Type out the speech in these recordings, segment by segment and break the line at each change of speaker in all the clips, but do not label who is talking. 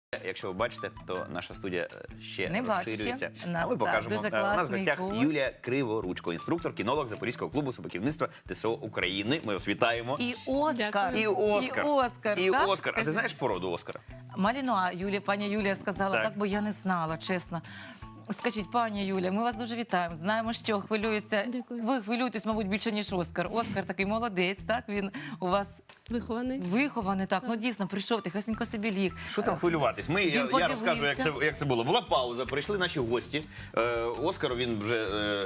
Якщо ви бачите, то наша студія ще
Не бачу.
розширюється.
Нас,
А ми покажемо.
дуже
У нас в
класний
гостях
кут.
Юлія Криворучко, інструктор, кінолог Запорізького клубу собаківництва ТСО України. Ми вас вітаємо.
І Оскар.
І Оскар.
І Оскар.
І
так?
Оскар. А ти знаєш породу Оскара?
Малінуа, пані Юлія сказала,
Так.
так, бо я не знала, чесно. Скажіть, пані Юля, ми вас дуже вітаємо. Знаємо, що хвилюється.
Дякую.
Ви хвилюєтесь, мабуть, більше, ніж Оскар. Оскар такий молодець, так? Він у вас
Вихований.
вихований, так. Ну, дійсно, прийшов, тихесенько собі ліг.
Що там хвилюватись? Я
подивився.
розкажу, як це було. Була пауза, прийшли наші гості. Оскар, він вже,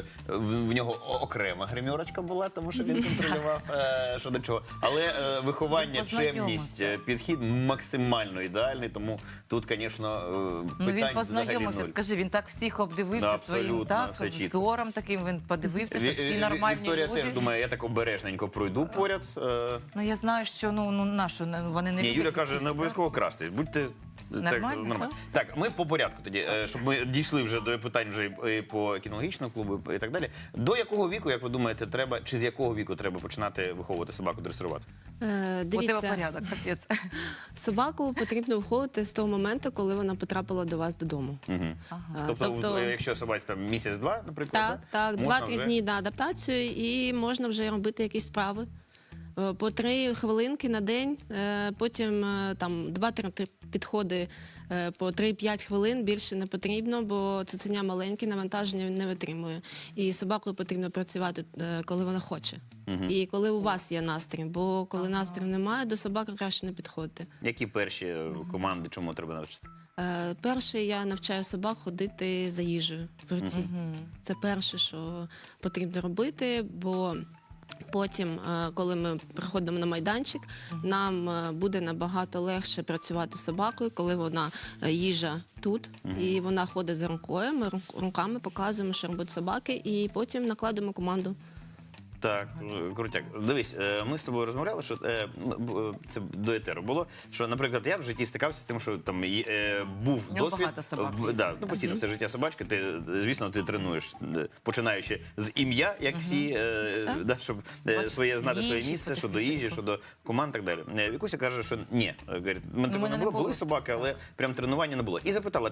в нього окрема гримерочка була, тому що він контролював, що до чого. Але виховання,
Він познайомився.
чемність, підхід максимально ідеальний, тому тут, звісно,
Ну, він
питань взагалі
познайомився,
нуль.
скажи, він так всіх обдивився
Да,
своїм
абсолютно,
так,
все чітко.
взором таким, він подивився, що всі нормальні
Вікторія
люди.
теж думає, я так обережненько пройду поряд.
Ну, я знаю, що, нашу, вони не
Ні,
люблять.
Юля каже,
всіх,
не обов'язково красти. Будьте
Нормально,
Так, ми по порядку тоді, щоб ми дійшли вже до питань вже і по кінологічному клубу і так далі. До якого віку, як ви думаєте, треба, чи з якого віку треба починати виховувати собаку, дресирувати?
У тебе
Дивіться,
порядок, капець.
собаку потрібно виховувати з того моменту, коли вона потрапила до вас додому.
Угу.
Ага.
Тобто, якщо собаці там місяць-два, наприклад,
Так,
можна
2-3
вже-
дні на адаптацію, і можна вже робити якісь справи. По 3 хвилинки на день, потім там 2-3 підходи по 3-5 хвилин, більше не потрібно, бо цуценя маленьке, навантаження не витримує. І з собакою потрібно працювати, коли вона хоче. І коли у вас є настрій, бо коли настрою немає, до собаки краще не підходити.
Які перші команди, чому треба навчити?
Перше, я навчаю собак ходити за їжею в руці. Це перше, що потрібно робити, бо потім, коли ми приходимо на майданчик, нам буде набагато легше працювати з собакою, коли вона їжа тут, і вона ходить за рукою, ми руками показуємо, що робить собаки, і потім накладемо команду.
Так, крутяк. Дивись, ми з тобою розмовляли, що це до етеру було, що, наприклад, я в житті стикався з тим, що там був
У нього
досвід.
багато собак
Да, постійно все життя собачки, звісно, ти тренуєш, починаючи з ім'я, як всі, да, щоб знати своє
їжі,
місце, щодо
потім
їжі, щодо команд і так далі. Вікуся каже, що ні. Говорить, мене такого не було, були собаки, але прям тренування не було. І запитала,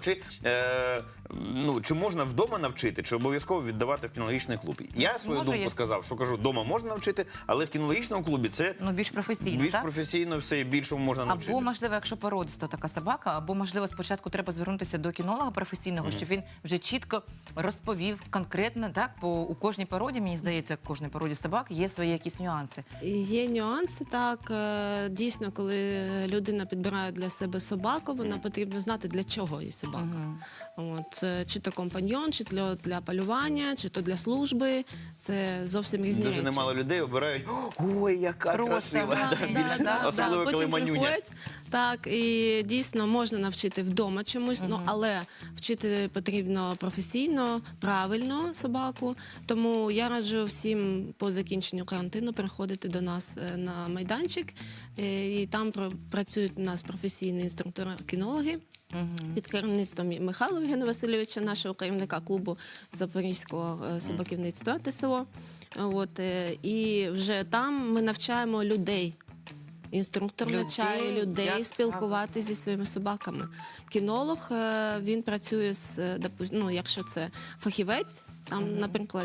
чи можна вдома навчити, чи обов'язково віддавати в кінологічний клуб. Я свою
Може,
думку сказав, що кажу, вдома можна навчити, але в кінологічному клубі це
Більш професійно,
більш
так?
професійно, все і більшому можна навчити.
Або, можливо, якщо породиста така собака, або, можливо, спочатку треба звернутися до кінолога професійного, щоб він вже чітко розповів конкретно, так, у кожній породі, мені здається, в кожній породі собак є свої якісь нюанси.
Є нюанси, так. Дійсно, коли людина підбирає для себе собаку, вона потрібно знати, для чого їй собака. От, чи то компаньйон, чи для полювання, чи то для служби. Це зовсім різні
Дуже
речі.
немало людей обирають, ой, яка
Просто,
красива.
да,
Особливо, коли
Потім
манюня.
приходять, так, і дійсно можна навчити вдома чомусь, але вчити потрібно професійно, правильно собаку. Тому я раджу всім по закінченню карантину приходити до нас на майданчик, і там працюють у нас професійні інструктори-кінологи під керівництвом Михайла Євгена Васильовича, нашого керівника клубу Запорізького собаківництва ТСО. От, і вже там ми навчаємо людей. Інструктор навчає людей
як
спілкуватися зі своїми собаками. Кінолог, він працює якщо це фахівець, там, наприклад,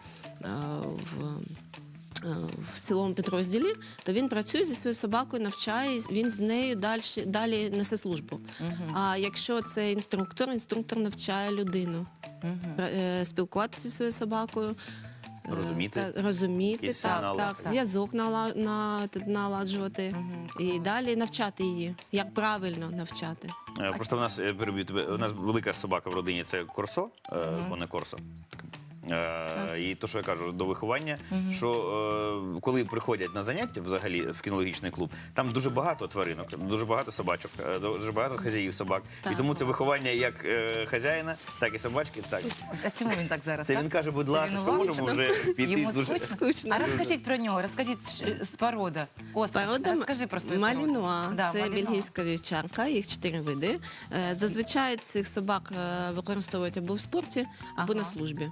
в силовому підрозділі, то він працює зі своєю собакою, навчає, він з нею далі несе службу. А якщо це інструктор навчає людину спілкуватися зі своєю собакою, розуміти, зв'язок наладжувати і далі навчати її, як правильно навчати.
Просто в нас, переб'ю тебе, у нас велика собака в родині, це Корсо, вона Корсо. І то, що я кажу, до виховання, що коли приходять на заняття взагалі в кінологічний клуб, там дуже багато тваринок, дуже багато собачок, дуже багато хазяїв собак. І тому це виховання як хазяїна, так і собачки. Так.
А чому він так зараз?
Це
так?
він каже, будь ласка,
Він
можемо вже піти
Йому
дуже...
Скучно.
А розкажіть про нього, розкажіть з порода.
Порода
розкажи про свою породу.
Малінуа.
Да,
Це
Малінуа.
бельгійська вівчарка, їх 4 види. Зазвичай цих собак використовують або в спорті, або на службі.
Ось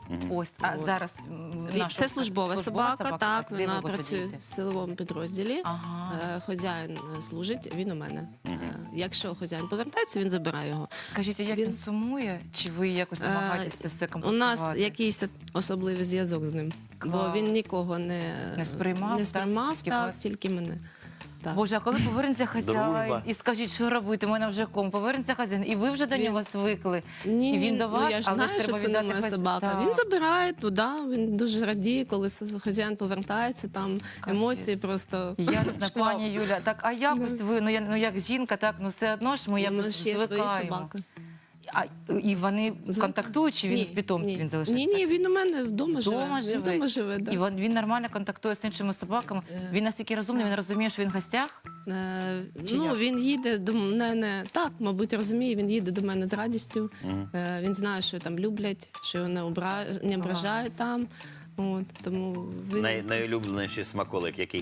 Ось, а
От.
зараз
Це службова собака, так,
Де ви
вона
його
працює
садите?
в силовому підрозділі.
Ага.
Хазяїн служить, він у мене.
Мгм.
Якщо хазяїн повертається, він забирає його.
Скажіть, а як він
Він-
сумує? Чи ви якось намагаєтесь це все
У
компенсувати?
нас якийсь особливий зв'язок з ним, бо
Клас.
він нікого не
сприймав, так? Тільки
так,
вас?
тільки мене. Так.
Боже, а коли повернеться хазяїн
Дружба.
і скажіть, що робити, у мене вже повернеться хазяїн, і ви вже до
Він-
нього звикли.
Ні,
І він до вас,
я ж
але ж
знаю, що
треба
це не
віддати
моя
хазя-
собака.
Так.
Він забирає туди, він дуже радіє, коли хазяїн повертається, там емоції просто.
Я не знаю,
шквал.
пані Юля, так, а якось ви, ну як жінка, так, ну все одно ж ми
У
якось
нас ще є свої
звикаємо.
собаки.
А, і вони контактують, чи він
Ні,
в питомстві
ні.
він залишається?
Ні, він у мене вдома живе.
Вдома
Він
живе?
вдома живе, да.
І він нормально контактує з іншими собаками. Він настільки розумний, він розуміє, що він в гостях. Чи
Ну,
як?
він їде до мене, так, мабуть, розуміє, він їде до мене з радістю.
Мгм.
Він знає, що там люблять, що його не ображають там. От, тому він
Найулюбленіший смаколик який?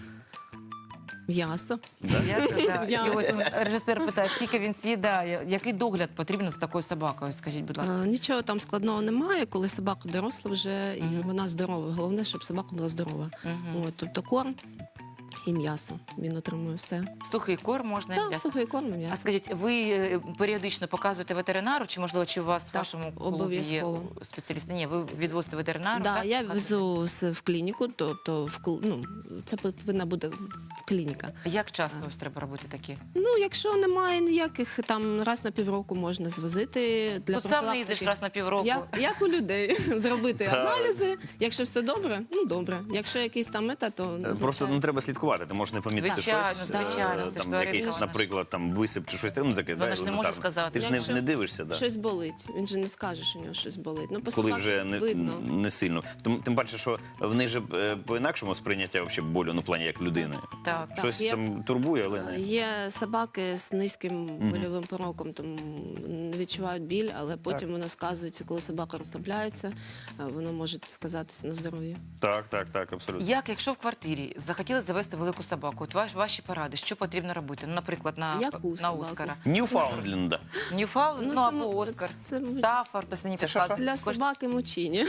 м'ясо.
Да?
Да.
Я-
І ось режисер питає, скільки він з'їдає, який догляд потрібен за такою собакою, скажіть, будь ласка.
Нічого там складного немає, коли собака доросла вже і
Мгм.
вона здорова. Головне, щоб собака була здорова.
Мгм.
От, тобто корм і м'ясо. Він отримує все.
Сухий корм можна і
Так,
м'ясо.
сухий корм і
А
м'ясо.
скажіть, ви періодично показуєте ветеринару, чи можливо, чи у вас в
Так,
вашому клубі є
обов'язково.
спеціалісти? Ні, ви відвозите ветеринару,
Да,
так?
я
Показуєте?
везу в клініку, тобто це повинна бути клініка.
Як часто ось треба робити такі?
Ну, якщо немає ніяких, там раз на півроку можна звозити для
Тут сам не їздиш раз на півроку.
Як у людей зробити
Так.
аналізи. Якщо все добре, ну добре. Якщо якийсь там мета, то
Просто
назначаю.
треба слідкувати. Ти можеш не помітити
Звичайно,
щось,
звичайно, це ж
там
тварина,
якийсь,
вона ж-
наприклад, там висип чи щось таке, ну таке,
Вона
да,
ж не може
елементарно.
сказати.
Ти ж не,
Якщо
не дивишся, да.
Щось болить. Він же не скаже, що у нього щось болить. Ну, по
Коли
собаці
вже
видно.
не сильно. Тим паче, що в них же по-інакшому сприйняття вообще болю, ну, в плані як людини.
Так.
Щось
є-
там турбує, але не.
Є собаки з низьким больовим пороком, тому не відчувають біль, але потім воно сказується, коли собака розслабляється, воно може сказатися на здоров'ї.
Так, абсолютно.
Як, якщо в квартирі захотіли завести велику собаку, от ваші поради, що потрібно робити? Ну, наприклад,
Яку
на
собаку?
Оскара.
Ньюфаундленда.
Ньюфаунд, ну
це
або
м-
Оскар.
це м-
Стаффорд, ось мені
Це
підказує.
Для собаки мучині.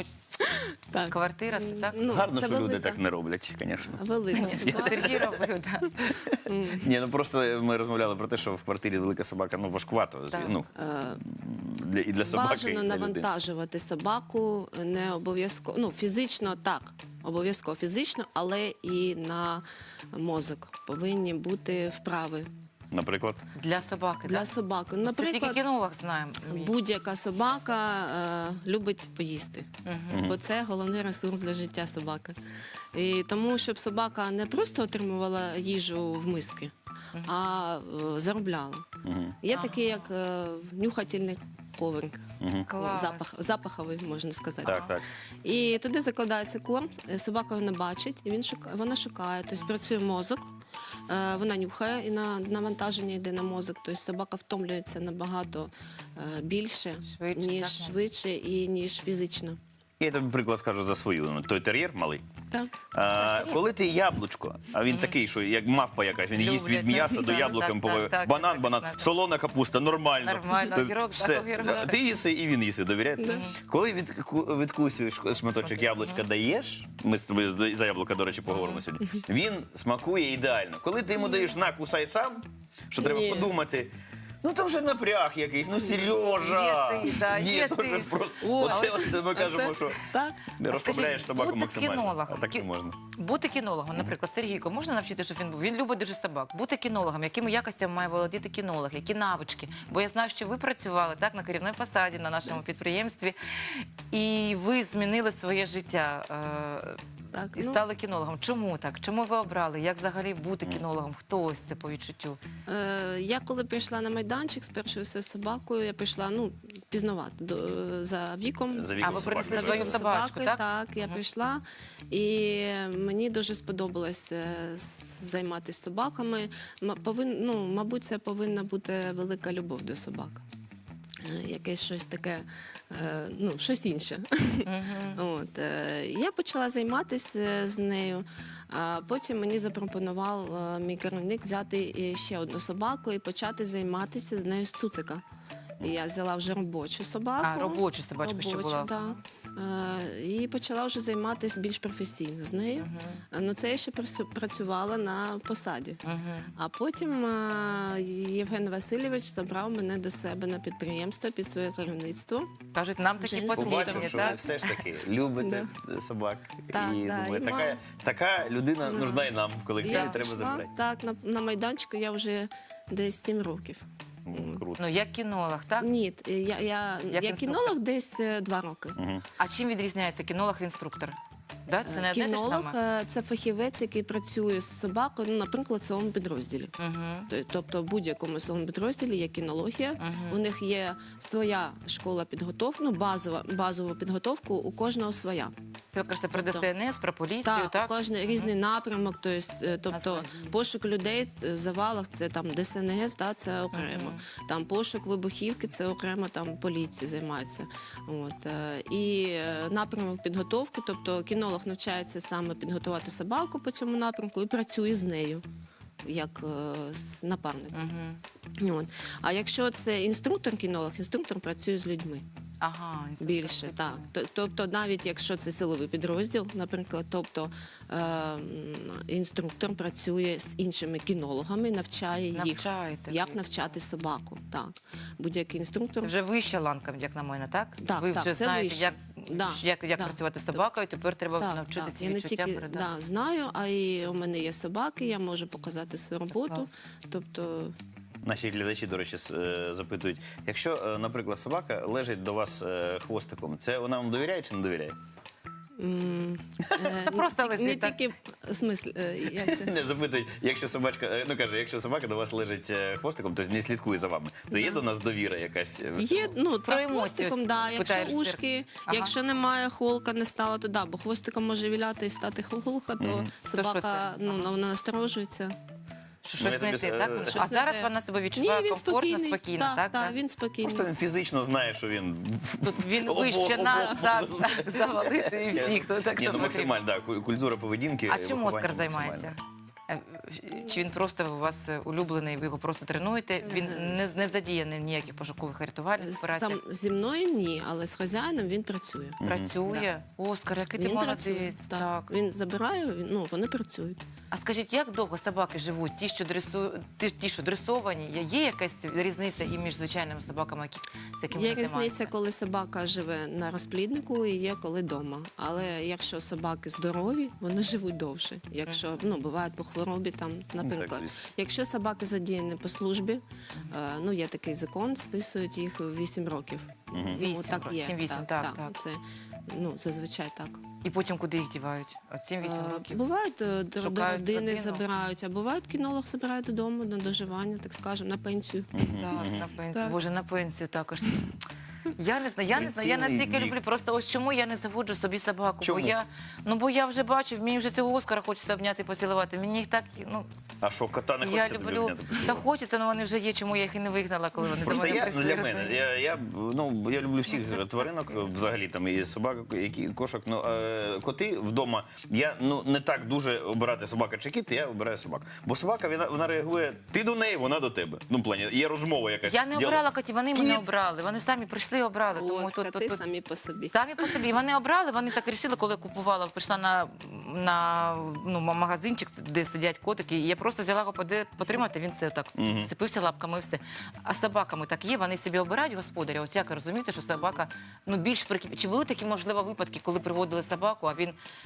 Так.
Квартира, це так?
Ну,
Гарно,
це
що люди
велика-
так не роблять, звісно.
Велика
Ні,
собака.
Сергій робив, так.
М.
Ні, ну просто ми розмовляли про те, що в квартирі велика собака, ну важкувато.
Так.
Ну,
Е,
і для собаки, і
Бажано
для людини.
навантажувати собаку не обов'язково. Ну, фізично так, обов'язково фізично, але і на мозок повинні бути вправи
Наприклад.
Для собаки,
для
так?
собаки.
Це тільки
Наприклад,
кінолог знає.
будь-яка собака любить поїсти.
Мгм.
Бо це головний ресурс для життя собаки. І тому, щоб собака не просто отримувала їжу в миски, а заробляла.
Угу.
Є
Ага.
такий, як нюхательний коврик.
Угу.
Клас.
Запаховий, можна сказати.
Так.
І туди закладається корм, собака його не бачить, і вона шукає. Тобто працює мозок, вона нюхає, і навантаження йде на мозок. Тобто собака втомлюється набагато більше,
Швидше,
ніж
так?
швидше і ніж фізично.
Я тобі приклад скажу за свою. Той тер'єр малий.
Так.
Коли ти яблучко, а він такий, що як мавпа якась, він їсть
Люблять,
від м'яса
так,
до
так,
яблуком,
так,
банан,
так.
солона капуста, нормально.
Нормально,
Ти-
огірок,
все.
так, огірок.
Ти їси і він їси, довіряєте?
Да.
Коли відкусуєш шматочок яблучка, даєш, ми з тобою за яблука, до речі, поговоримо сьогодні, він смакує ідеально. Коли ти йому даєш на, кусай сам, що треба
Ні.
подумати, ну то вже напряг якийсь, ну Сережа!
Є ти, да,
Ні,
є
то
ти
вже
ж.
просто,
О,
оце
але-
ми кажемо, що
Так.
не розслабляєш
скажіть,
собаку
бути
максимально.
кінологом,
А так не можна.
Бути кінологом, наприклад, Сергійко, можна навчити, щоб він був? Він любить дуже собак. Бути кінологом, якими якостями має володіти кінолог, які навички? Бо я знаю, що ви працювали так на керівній посаді на нашому підприємстві, і ви змінили своє життя
Так,
і стали кінологом. Чому так? Чому ви обрали? Як взагалі бути кінологом? Хто ось це по відчуттю?
Я коли прийшла на майданчик з першою своєю собакою, я прийшла пізнавати за віком.
За
А
віком
ви
собаки,
принесли
так.
свою собачку, так?
Так, я
Мгм.
прийшла, і мені дуже сподобалось займатися собаками. Мабуть, це повинна бути велика любов до собак. Якесь щось таке, щось інше.
Мгм.
Я почала займатися з нею, а потім мені запропонував мій керівник взяти ще одну собаку і почати займатися з нею з цуцика. І я взяла вже робочу собаку.
А, робочу собачку ще була.
Да. І почала вже займатися більш професійно з нею. Ну, це я ще працювала на посаді. А потім Євген Васильович забрав мене до себе на підприємство під своє керівництво.
Кажуть, нам такі
Вже
потрібні,
Побачив, що ви
так?
все ж таки любите собак.
Так,
І
да,
думаю,
і
така людина
Да.
нужна і нам в колективі,
Я
треба
пішла,
забрати.
так, на майданчику я вже десь 7 років.
Круто.
Ну, як кінолог, так?
Ні, я
інструктор?
кінолог десь 2 роки.
Мгм.
А чим відрізняється кінолог і інструктор? Да? Це не одне те ж
Кінолог
саме?
це фахівець, який працює з собакою, ну, наприклад, в своєму підрозділі. Тобто в будь-якому своєму підрозділі є кінологія. У них є своя школа підготовки, ну, базова підготовка, у кожного своя.
Це ви кажете про ДСНС, про поліцію,
Так,
так?
кожен різний напрямок, тобто
Насправді.
пошук людей в завалах це там ДСНС, да, це окремо. Там пошук вибухівки, це окремо там поліція займається. І напрямок підготовки, тобто кінолог навчається саме підготувати собаку по цьому напрямку і працює з нею як з напарником. А якщо це інструктор-кінолог, інструктор працює з людьми.
Ага, інструктор.
Більше, так. Тобто навіть якщо це силовий підрозділ, наприклад, інструктор працює з іншими кінологами, навчає їх,
Навчаєте.
як навчати собаку. Так. Будь-який інструктор.
Це вже вища ланка, як на мене, так?
Так,
ви
так,
вже
це
знаєте,
вище.
як
Да.
працювати з собакою, тепер треба навчити ці
Я не
відчуття
тільки
передати.
знаю, а й у мене є собаки, я можу показати свою роботу.
Клас.
Тобто
Наші глядачі, до речі, запитують, якщо, наприклад, собака лежить до вас хвостиком, це вона вам довіряє чи не довіряє?
Просто
не
лежить, так?
тільки в смислі, як це?
Не запитують, якщо собачка, якщо собака до вас лежить хвостиком, то не слідкує за вами, то є до нас довіра якась?
Є, ну,
Про
так,
емоції
хвостиком,
ось
да, якщо
питаєш,
ушки,
Ага.
якщо немає холка, не стало, то да, бо хвостиком може віляти і стати холка, то
Мгм.
То що
собака,
це?
ну, вона насторожується.
Що
Ну, я
щось не
тобі,
те, так?
щось
А
не
зараз
те.
вона себе
Ні,
відчуває
він
комфортно,
спокійний.
спокійно, так?
Так, він спокійний.
Просто він фізично знає, що він
Тут він
Обох,
вище нас,
обох.
так, завалити і всіх, так
Ні,
що
ну
потрібно.
максимально, так, культура поведінки.
А чим
виховання
Оскар займається?
максимально.
Чи він просто у вас улюблений, ви його просто тренуєте? Він не задіяний в ніяких пошукових рятувальних операціях?
Сам зі мною ні, але з хазяїном він працює.
Працює? Оскар, який ти
Він працює.
молодець. Так.
Він забирає, ну, вони працюють.
А скажіть, як довго собаки живуть? Ті, що дресовані, є якась різниця і між звичайними собаками, з якими
Є
ви
різниця,
займаєтеся?
коли собака живе на розпліднику і є коли вдома. Але якщо собаки здорові, вони живуть довше. Якщо бувають по хворобі, там, наприклад.
Так, звісно.
Якщо собаки задіяні по службі, ну є такий закон, списують їх 8 років.
Мгм.
8
так є.
7-8, так.
Це зазвичай так.
І потім куди їх дівають? От 7-8 років.
Бувають до
Шукають
родини
родину.
забирають, а бувають кінолог забирають додому на доживання, так скажемо, на пенсію.
Так, на пенсію.
Так.
Боже, на пенсію також. Я не знаю, я
Цінний
настільки
вік.
люблю. Просто ось чому я не заводжу собі собаку.
Чому?
Бо я вже бачу, мені вже цього Оскара хочеться обняти і поцілувати. Мені їх так,
А що, кота не
я
хочеться тобі
люблю.
обняти?
Та хочеться, але вони вже є, чому я їх і не вигнала, коли вони до
Просто
мене
я,
прийшли.
для мене,
розумієш?
я люблю всіх тваринок, взагалі там і собак, і кошок. Коти вдома, я не так дуже обирати собака чи кіт, я обираю собак. Бо собака, вона реагує, ти до неї, вона до тебе. Ну, в плані, є розмова якась.
Я не
діалог.
обрала котів, вони мене
Кіт.
обрали. Вони самі прийшли і обрали. Тому
От, коти самі по собі.
Самі по собі. Вони обрали, вони так вирішили, коли купувала, прийшла на магазинчик, де сидять котики, і я просто взяла його потримати, він це так сипився лапками і все. А з собаками так є, вони собі обирають господаря. Ось як розумієте, що собака більш прикипіла. Чи були такі, можливо, випадки, коли приводили собаку, а він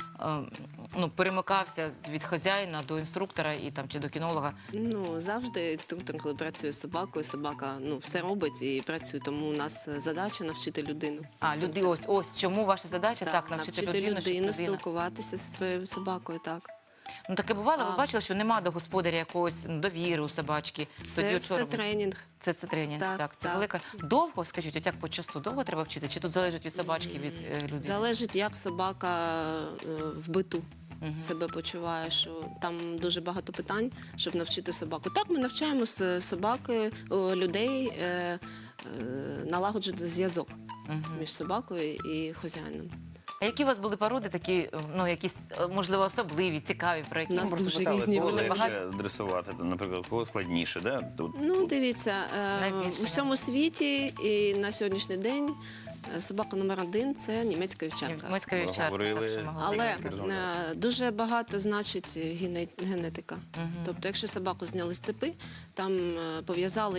перемикався від хазяїна до інструктора чи до кінолога?
Ну, завжди інструктор, коли працює з собакою, собака все робить і працює. Тому у нас задача навчити людину.
Ось чому ваша задача так навчити людину, щоб людина.
Спілкуватися зі своєю собакою, так.
Таке бувало, ви бачили, що нема до господаря якогось довіри у собачки. Тоді
Це тренінг.
Це тренінг, так, це велика. Довго, скажіть, от як по часу, довго треба вчити? Чи тут залежить від собачки, від людини?
Залежить, як собака в биту себе почуває, що там дуже багато питань, щоб навчити собаку. Так, ми навчаємо собаки, людей налагоджувати зв'язок між собакою і хазяїном.
А які у вас були породи такі, ну, якісь, можливо, особливі, цікаві, про які
У нас
ми
дуже
Питали,
різні
кого
були.
легше
Багато-
дресувати, наприклад, кого складніше, да? Тут
Ну, дивіться,
Найбільше,
у всьому світі і на сьогоднішній день собака номер 1 – це німецька вівчарка.
Німецька вівчарка,
Говорили.
так що могла
Але
бути.
дуже багато значить генетика.
Мгм.
Тобто, якщо собаку зняли з цепи, там пов'язали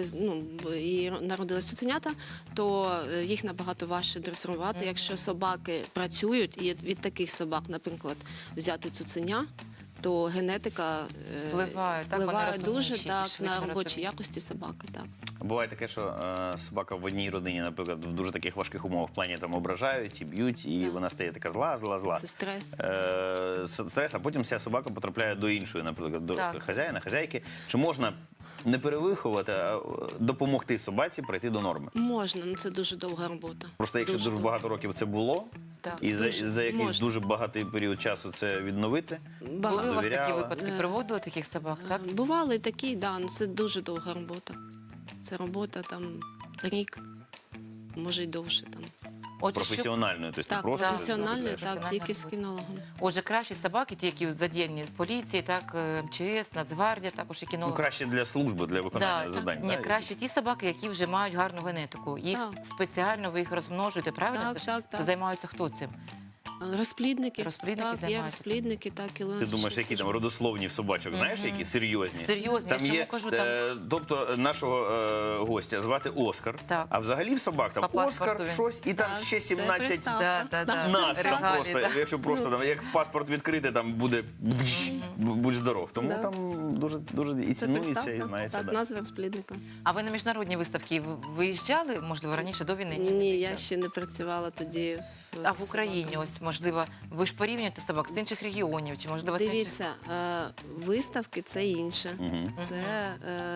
і народились цуценята, то їх набагато важче дресирувати.
Мгм.
Якщо собаки працюють, і від таких собак, наприклад, взяти цуценя, то генетика
Впливає, так, вони
впливає дуже
розумніші і
так
швидше
на робочі
розвиваються.
якості собаки. Так.
буває таке, що собака в одній родині, наприклад, в дуже таких важких умовах в плані там ображають і б'ють, і
Так.
вона стає така зла.
Це стрес.
Стрес, а потім ця собака потрапляє до іншої, наприклад, до
Так.
хазяїна, хазяйки. Чи можна не перевиховувати, а допомогти собаці прийти до норми?
Можна, ну це дуже довга робота.
Просто якщо дуже
довга.
багато років це було,
Так.
і
Дуже
за якийсь
можна.
дуже багатий період часу це відновити,
Були у вас такі
довіряла.
випадки? Приводили таких собак, так?
Бували такі, да, ну це дуже довга робота. Це робота там рік, може й довше там.
Отже, що-
професіональною, тобто не
Так,
просто
професіонально,
заробляєш.
так,
Професіональна
тільки з
робота.
кінологом.
Отже, кращі собаки, ті, які задіяні в поліції, так, МЧС, Нацгвардія, також і
Ну,
кінологи.
краще для служби, для виконання
Да,
завдань.
ні,
да?
краще ті собаки, які вже мають гарну генетику. Їх
Так.
спеціально ви їх розмножуєте, правильно?
Так,
Це ж-
так,
це
так.
займаються хто цим?
Розплідники.
Розплідники
так, є
займаються.
розплідники, так, і
Ти
логічні
думаєш, які там
служби.
родословні в собачок, знаєш,
Мгм.
які серйозні?
Серйозні, я
Там
чому
є,
кажу, там-
тобто нашого гостя звати Оскар,
Так.
а взагалі в собак там
По паспорту
Оскар
він.
щось, і там
Так,
ще
це
17
приставка.
нас там
Регалії,
просто,
да.
якщо просто там, як паспорт відкрити, там буде будь здоров. Тому
Да.
там дуже, дуже і
Це
цінується, і
приставка,
знається.
так,
да.
назва розплідника.
А ви на міжнародні виставки виїжджали, можливо, раніше до війни?
Ні, я
виїжджали?
ще не працювала тоді.
А в Україні, ось, можливо, ви ж порівнюєте собак з інших регіонів, чи, можливо, з інших...
Дивіться, виставки це інше.
Мгм.
Це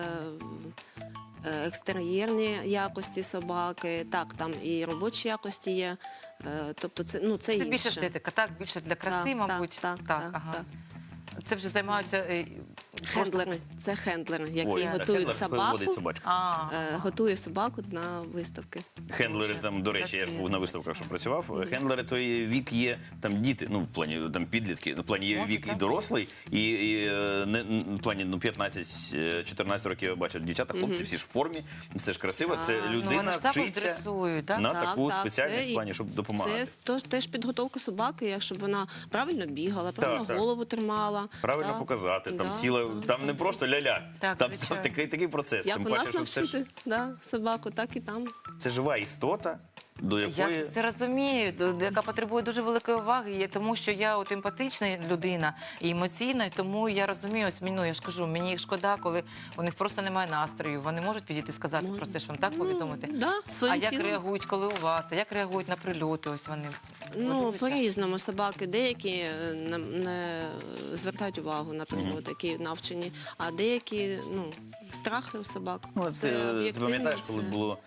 екстер'єрні якості собаки, так, там і робочі якості є. Тобто це, ну, це
Це
інше.
більше естетика, так? Більше для краси,
Так,
мабуть.
так,
ага.
так.
Це вже займаються...
Хендлери. Це хендлери, які
Ой,
готують
хендлер
собаку,
виводить собачку.
готує собаку на виставки.
Хендлери
Боже,
там, до речі, я ж
такі.
був на виставках, що працював. Хендлери, то і вік є там діти, ну в плані там підлітки, ну, в плані є
Може,
вік і
так.
дорослий, і в плані ну 15-14 років я бачив дівчата, хлопці всі ж в формі, це ж красиво. Це
Так.
Ну, вони
людина
ж також
вчиться
дресують, так?
на
Так,
таку
так,
спеціальність
це
в плані, щоб допомагати.
Це теж підготовка собаки, якщо вона правильно бігала, правильно
так.
голову тримала.
Правильно
так.
показати, там
Да,
ціла,
так,
там
так.
не просто ля-ля,
Так,
там
звичайно.
такий процес.
Як
Тим
у
паче,
нас
що це ж
навчити собаку, так і там.
це жива істота, до
Я
якої
це розумію, яка потребує дуже великої уваги, тому що я от емпатична людина і емоційна, і тому я розумію, ось ну, я ж кажу, мені їх шкода, коли у них просто немає настрою. Вони можуть підійти сказати про це, що вам так повідомити.
Да, своїм
А як
тілом.
реагують, коли у вас? А як реагують на прильоти? Ось вони
Ну,
подивіться.
по-різному собаки. Деякі не звертають увагу на пригоди, які навчені, а деякі, ну, страхи у собак.
Ну, ти
об'єктивно,
пам'ятаєш, коли
це-
було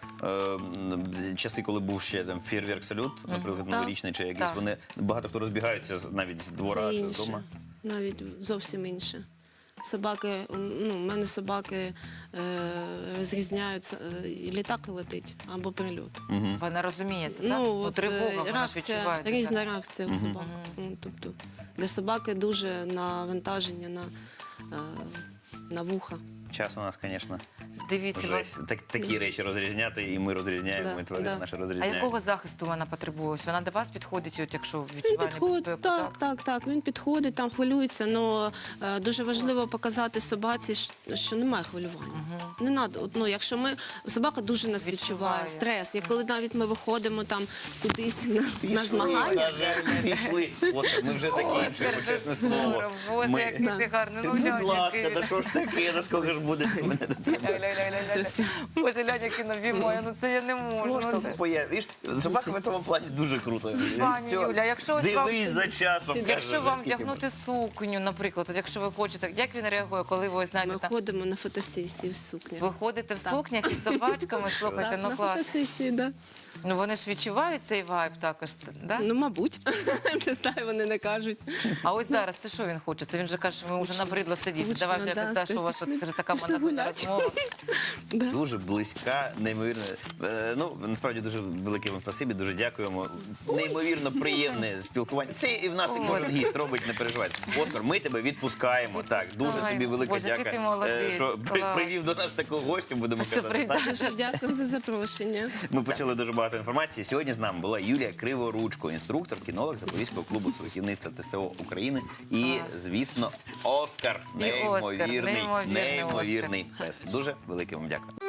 часи, коли був ще там фєрверк салют, наприклад,
Так.
новорічний чи якийсь,
Так.
вони багато хто розбігається навіть з двора
Це
чи з
інше,
дому.
навіть зовсім інше. Собаки, ну, в мене собаки розрізняються, і літак летить або прильот.
Мгм.
Вона розуміє це, так?
Ну,
Ну,
от,
тривога, вона ж
реакція,
відчуває. так.
різна реакція у
Мгм.
собак. Ну, тобто для собаки дуже навантаження на вуха.
Час у нас, звісно,
Дивіться,
вже такі речі розрізняти, і ми розрізняємо,
Да,
і тварини
да.
наші
а
розрізняють.
якого захисту вона потребує? Ось вона до вас підходить, от якщо
Він
відчуває
підходить,
небезпеку,
так, він підходить, там хвилюється, але дуже важливо показати собаці, що немає хвилювання.
Мгм.
Не надо, ну, якщо собака дуже нас
Відчуває.
відчуває, стрес. І коли навіть ми виходимо там кудись на
Пішли,
змагання,
на жаль, пішли. Оскар, ми вже закінчуємо, чесне слово.
Боже,
Ми-
який ти гарний. Ну,
Будь
глянь,
ласка,
який
да
він.
що ж таке, да скільки ж буде?
Ля-ля-ля-ля-ля. Боже, глянь, який обіймає, ну це я не можу.
Просто
ну, це-
появиш. Собака в цьому плані дуже круто.
Пані
Все.
Юля, якщо ось вам-
Дивись за часом. каже,
Якщо вам
скільки
вдягнути сукню, наприклад, от якщо ви хочете, як він реагує, коли ви знаєте,
ми
там,
ходимо на фотосесії в сукнях.
ви ходите в
Так.
сукнях із собачками, слухайте,
Так,
ну
на
клас.
фотосесії, да.
Ну вони ж відчувають цей вайб також, да?
Ну, мабуть, не знаю, вони не кажуть.
А ось зараз це що він хоче? Це він же каже, що ми вже набридло сидіти.
Скучно,
Давай вже
да,
якось, що у вас тут каже, така
пішли
монотонна
гуляти.
розмова.
Да.
Дуже близька, неймовірно. Ну, насправді дуже велике вам спасибі, дуже дякуємо. Неймовірно приємне спілкування. Це і в нас і кожен гість робить, не переживайте. Оскар, ми тебе відпускаємо. Так, дуже тобі велика
Боже, який
дяка,
ти молодець.
що
Клас.
привів до нас такого гостя, будемо
Що
казати.
привів.
так?
Дуже дякую за запрошення.
Ми почали дуже багато інформації. Сьогодні з нами була Юлія Криворучко, інструктор, кінолог Запорізького клубу сахівництва ТСО України. І, звісно, Оскар.
І Оскар,
Неймовірний,
неймовірний
неймовірний пес. Дуже велике вам дякую.